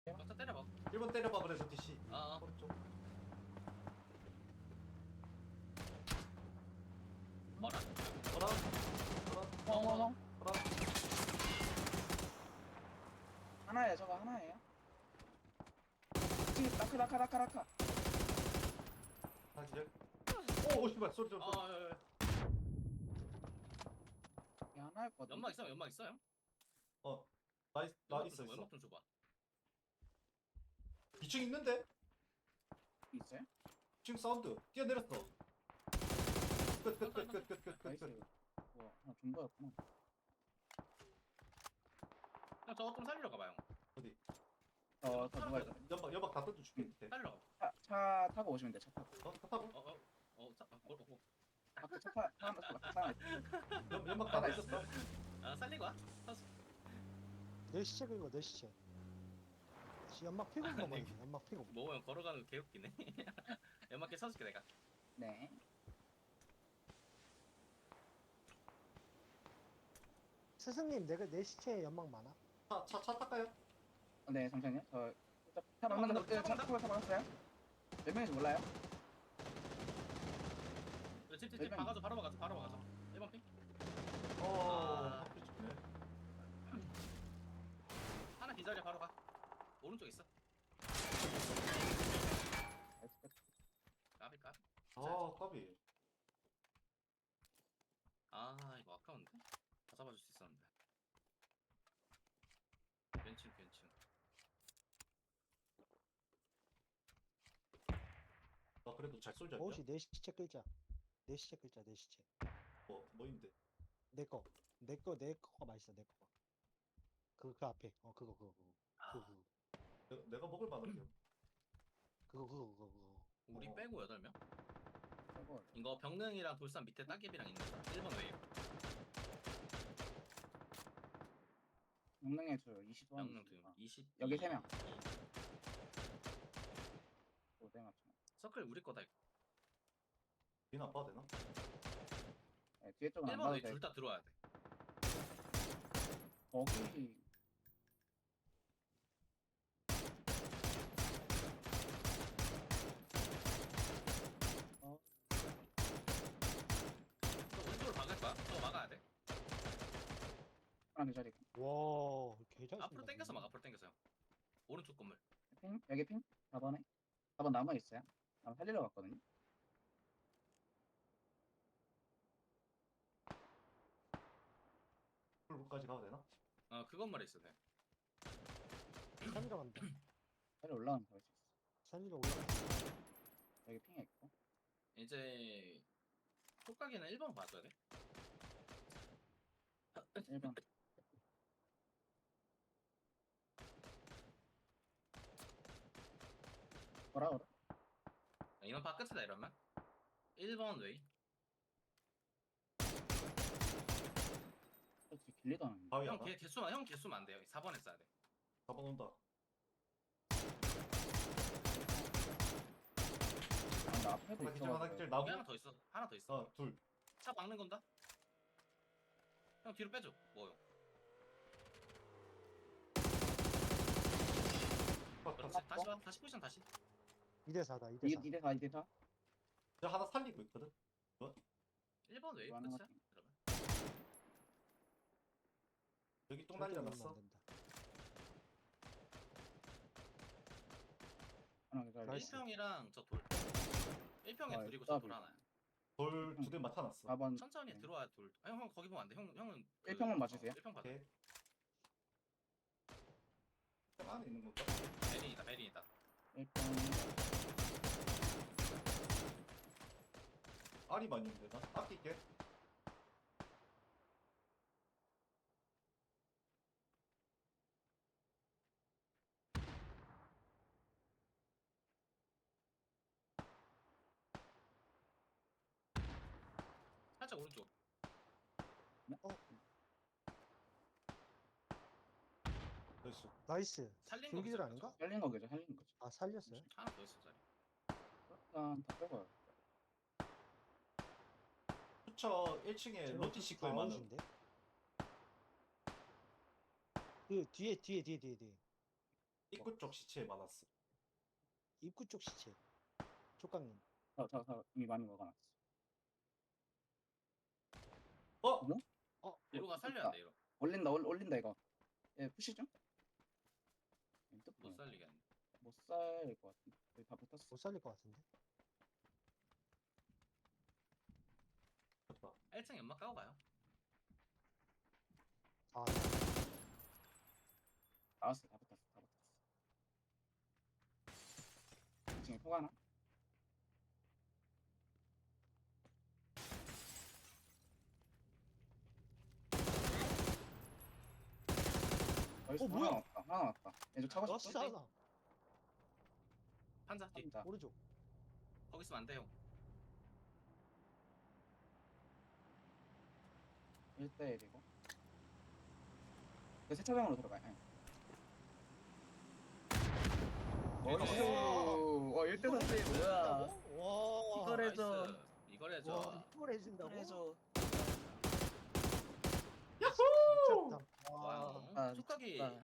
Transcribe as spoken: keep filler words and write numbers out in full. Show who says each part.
Speaker 1: 막타 때려봐.
Speaker 2: 일 번 때려봐 그래서 디씨.
Speaker 1: 아, 아.
Speaker 2: 오른쪽.
Speaker 1: 뭐라?
Speaker 2: 뭐라? 뭐라?
Speaker 3: 어머머.
Speaker 2: 뭐라?
Speaker 3: 하나예요, 저거 하나예요. 지금 라카, 라카, 라카, 라카.
Speaker 2: 하나 기절. 오, 오, 씨발 소리 좀. 소리.
Speaker 1: 아, 예, 예.
Speaker 3: 이게 하나일 것 같은데.
Speaker 1: 연막 있어요, 연막 있어요?
Speaker 2: 어, 나 있, 나
Speaker 1: 연막
Speaker 2: 있어
Speaker 1: 좀 줘봐,
Speaker 2: 있어.
Speaker 1: 연막 좀 줘봐.
Speaker 2: 이 층 있는데?
Speaker 3: 있어요?
Speaker 2: 이 층 사운드. 뛰어내렸어. 끝, 끝, 끝, 끝, 끝, 끝, 끝,
Speaker 3: 나이스.
Speaker 2: 끝.
Speaker 3: 와, 하나 존버였구나.
Speaker 1: 형 저거 좀 살리러 가봐, 형.
Speaker 2: 어디?
Speaker 3: 어, 저 누가 있어?
Speaker 2: 연막, 연막 다 던져줄게 밑에.
Speaker 1: 살리러 가봐.
Speaker 3: 차, 차 타고 오시면 돼, 차 타고.
Speaker 2: 어, 다 타고.
Speaker 1: 어, 어, 어, 자, 어, 어, 어.
Speaker 3: 앞에 차 타, 차 하나, 차 하나 있어.
Speaker 2: 연, 연막 다 던졌어.
Speaker 1: 아, 살리고 와. 사수.
Speaker 4: 내 시체 긁어 내 시체 지 연막 피고
Speaker 1: 아,
Speaker 4: 먹어야
Speaker 1: 네.
Speaker 4: 돼 연막 피고
Speaker 1: 뭐, 형 걸어가는 거 개웃기네. 연막 개 사줄게, 내가.
Speaker 3: 네.
Speaker 4: 스승님 내가 내 시체에 연막 많아?
Speaker 2: 차, 차, 차 탈까요?
Speaker 3: 어, 네, 잠시만요. 저, 차, 차 만나는 거, 차 타고 차 만났어요? 몇 명인지 몰라요?
Speaker 1: 집, 집, 집,
Speaker 3: 일반-
Speaker 1: 박아줘, 바로 박아줘, 바로 박아줘. 일 번 핑?
Speaker 2: 어,
Speaker 1: 아.
Speaker 2: 앞에 좋네.
Speaker 1: 하나 기다려, 바로 가. 오른쪽 있어.
Speaker 3: 나이스, 끝.
Speaker 1: 까비, 까비.
Speaker 2: 아, 까비.
Speaker 1: 아, 이거 아까운데? 다 잡아줄 수 있었는데. 괜찮, 괜찮.
Speaker 2: 나 그래도 잘 쏠지 않냐?
Speaker 4: 혹시 내 시체 끌자 내 시체 끌자 내 시체
Speaker 2: 뭐, 뭐인데?
Speaker 4: 내거 내 거 내 거가 맛있어 내 거가 그, 그 앞에 어 그거 그거 그거 그거 그거
Speaker 2: 내가, 내가 먹을 만한데요.
Speaker 4: 그거 그거 그거 그거
Speaker 1: 우리
Speaker 2: 어.
Speaker 1: 빼고 여덟 명?
Speaker 3: 저거,
Speaker 1: 이거 병능이랑 돌산 밑에 따개비랑 있는 사람. 일 번 웨이브.
Speaker 3: 영능의 줄 이십 원.
Speaker 1: 병능 두 이십.
Speaker 3: 여기 세 명.
Speaker 1: 이.
Speaker 3: 오대 맞춰.
Speaker 1: 서클 우리 거다. 이거.
Speaker 2: 민 아빠 되나?
Speaker 3: 네, 뒤에 쪽은 안
Speaker 1: 일 번
Speaker 3: 봐도
Speaker 1: 웨이
Speaker 3: 돼.
Speaker 1: 둘 다 들어와야 돼.
Speaker 3: 거기, 어,
Speaker 1: 너 오른쪽으로 막을 거야? 저거 막아야 돼.
Speaker 3: 하나 그 자리.
Speaker 4: 와 개잘
Speaker 1: 앞으로 당겨서 막 앞으로 당겨서. 오른쪽 건물.
Speaker 3: 핑? 여기 핑? 사 번에? 사 번 남아있어요? 아마 살리러 갔거든요?
Speaker 2: 풀까지 가도 되나?
Speaker 1: 어, 그 건물에 있어 돼.
Speaker 4: 살리러 간다
Speaker 3: 살리 올라가면 볼 수 있어.
Speaker 4: 살리러 올라가
Speaker 3: 여기 핑에 있고.
Speaker 1: 이제 촉각이는 일 번 봐줘야 돼.
Speaker 3: 일 번. 뭐라 그래?
Speaker 1: 이건 바깥이다 이러면. 일 번 웨이.
Speaker 3: 솔직히 길리도 안
Speaker 2: 바위
Speaker 1: 형
Speaker 2: 하나?
Speaker 1: 개, 개수만 형 개수만 안 돼요. 사 번에 써야 돼.
Speaker 2: 사 번 온다.
Speaker 3: 아, 나 앞에도
Speaker 2: 하나 기절, 하나
Speaker 3: 있어.
Speaker 2: 기절,
Speaker 1: 여기
Speaker 2: 나무.
Speaker 1: 하나 더 있어. 하나 더 있어.
Speaker 2: 아, 둘.
Speaker 1: 차 막는 건다. 형 뒤로 빼줘. 뭐요?
Speaker 2: 아,
Speaker 1: 그렇지.
Speaker 2: 다,
Speaker 1: 다시 와. 다시 포지션 다시.
Speaker 4: 이 대 사다 이 대
Speaker 3: 이
Speaker 4: 사
Speaker 3: 대 사, 이 대 사.
Speaker 2: 저 하나 살리고 있거든?
Speaker 1: 일 번 웨이
Speaker 3: 좋아하는
Speaker 1: 끝이야.
Speaker 3: 것 같아.
Speaker 1: 그러면.
Speaker 2: 여기 똥 난리 났어.
Speaker 3: 하나 그 자리.
Speaker 4: 나이스.
Speaker 1: 일 평이랑 저 돌. 일 평에
Speaker 3: 아,
Speaker 1: 둘이고 저 돌
Speaker 3: 더블.
Speaker 1: 하나야.
Speaker 2: 돌 두 대 맞춰놨어.
Speaker 3: 사 번.
Speaker 1: 천천히
Speaker 3: 네.
Speaker 1: 들어와야 돌. 아, 형, 형 거기 보면 안 돼. 형 형은 그-
Speaker 3: 일 평만 맞추세요.
Speaker 1: 어, 일 평 받아.
Speaker 2: 오케이. 형 안에 있는 건가?
Speaker 1: 베린이다. 베린이다.
Speaker 3: 일 번.
Speaker 2: 알이 많이 있는데 나? 아낄게.
Speaker 1: 살짝 오른쪽.
Speaker 3: 어?
Speaker 2: 나이스.
Speaker 4: 나이스
Speaker 1: 살린 거
Speaker 4: 불기절
Speaker 1: 기절
Speaker 4: 아닌가?
Speaker 3: 살린 거겠죠, 살린 거죠.
Speaker 4: 아 살렸어요?
Speaker 1: 하나 더 있어 자리.
Speaker 3: 일단 다 빼고요.
Speaker 2: 수처 일 층에 로티시 거에 많은.
Speaker 4: 아웃인데? 그 뒤에 뒤에 뒤에 뒤에 뒤에
Speaker 2: 입구 쪽 시체에 많았어.
Speaker 4: 입구 쪽 시체. 촉강님.
Speaker 3: 저, 저, 저 이미 많이 먹어놨어.
Speaker 2: 어?
Speaker 3: 뭐?
Speaker 1: 이로가 살려야 돼 이로.
Speaker 3: 올린다, 올, 올린다 이거. 예, 푸시 좀.
Speaker 1: 못 살리겠네.
Speaker 3: 못 살 것 같은데. 여기 다 붙었어.
Speaker 4: 못 살릴 것 같은데.
Speaker 2: 잠깐만.
Speaker 1: 일 층 연막 까고 가요.
Speaker 4: 아,
Speaker 3: 나왔어, 다 붙었어, 다 붙었어. 이 층에 포가 하나? 나이스,
Speaker 4: 어, 뭐야?
Speaker 3: 하나 왔다, 하나 왔다. 얘좀 차고
Speaker 4: 러스
Speaker 3: 싶어?
Speaker 4: 하나.
Speaker 1: 판자 뒤.
Speaker 3: 진짜.
Speaker 4: 오른쪽.
Speaker 1: 거기 있으면 안 돼요.
Speaker 3: 일 대 일이고. 그 세차장으로 들어가. 예.
Speaker 1: 나이스.
Speaker 3: 어, 일 대 사 세이브 뭐야?
Speaker 4: 와.
Speaker 3: 이걸 해줘.
Speaker 1: 나이스. 이걸 해줘.
Speaker 4: 와, 이걸 해준다고?
Speaker 3: 해줘.
Speaker 4: 미쳤다.
Speaker 1: 와,
Speaker 3: 아,
Speaker 1: 촉각이
Speaker 3: 미쳤다.